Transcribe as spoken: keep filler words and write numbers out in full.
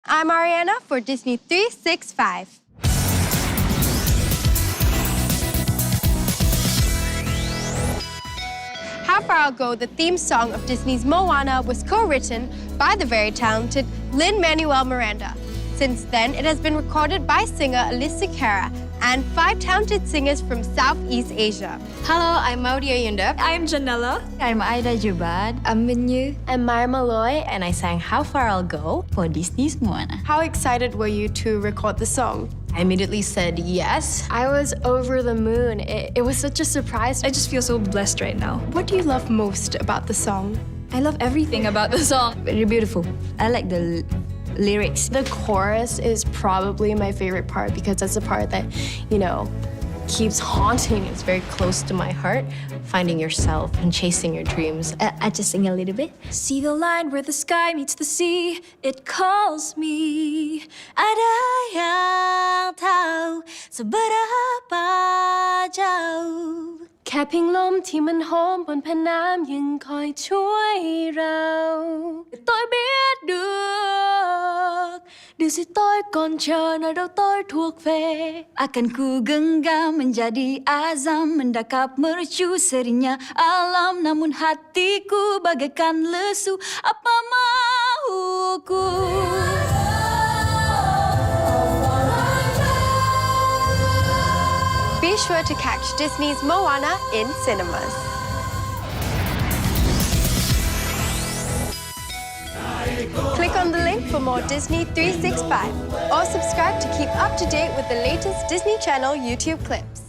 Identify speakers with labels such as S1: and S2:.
S1: I'm Ariana for Disney three sixty-five. How Far I'll Go, the theme song of Disney's Moana, was co-written by the very talented Lin-Manuel Miranda. Since then, it has been recorded by singer Alicia Cara and five talented singers from Southeast Asia.
S2: Hello, I'm Maudia Yunda.
S3: I'm Janella.
S4: I'm Aida Jubad.
S2: I'm Minyu.
S5: I'm Maya Malloy,
S4: And I sang How Far I'll Go for Disney's Moana.
S1: How excited were you to record the song?
S2: I immediately said yes.
S5: I was over the moon. It, it was such a surprise.
S3: I just feel so blessed right now.
S1: What do you love most about the song?
S3: I love everything about the song.
S4: Very beautiful. I like the lyrics.
S5: The chorus is probably my favorite part because that's the part that, you know, keeps haunting. It's very close to my heart.
S2: Finding yourself and chasing your dreams.
S4: Uh, I just sing a little bit.
S3: See the line where the sky meets the sea. It calls me. Ada yang tahu seberapa jauh.
S5: แค่เพียงลมที่มันโหมบนแผ่นน้ำยังคอยช่วยเรา Tôi biết được Điều gì tôi còn chờ nơi đâu tôi thuộc về.
S4: Akan ku genggam menjadi azam mendakap mercu serinya alam namun hatiku bagaikan lesu apa mahuku.
S1: Be sure to catch Disney's Moana in cinemas. Click on the link for more Disney three sixty-five or subscribe to keep up to date with the latest Disney Channel YouTube clips.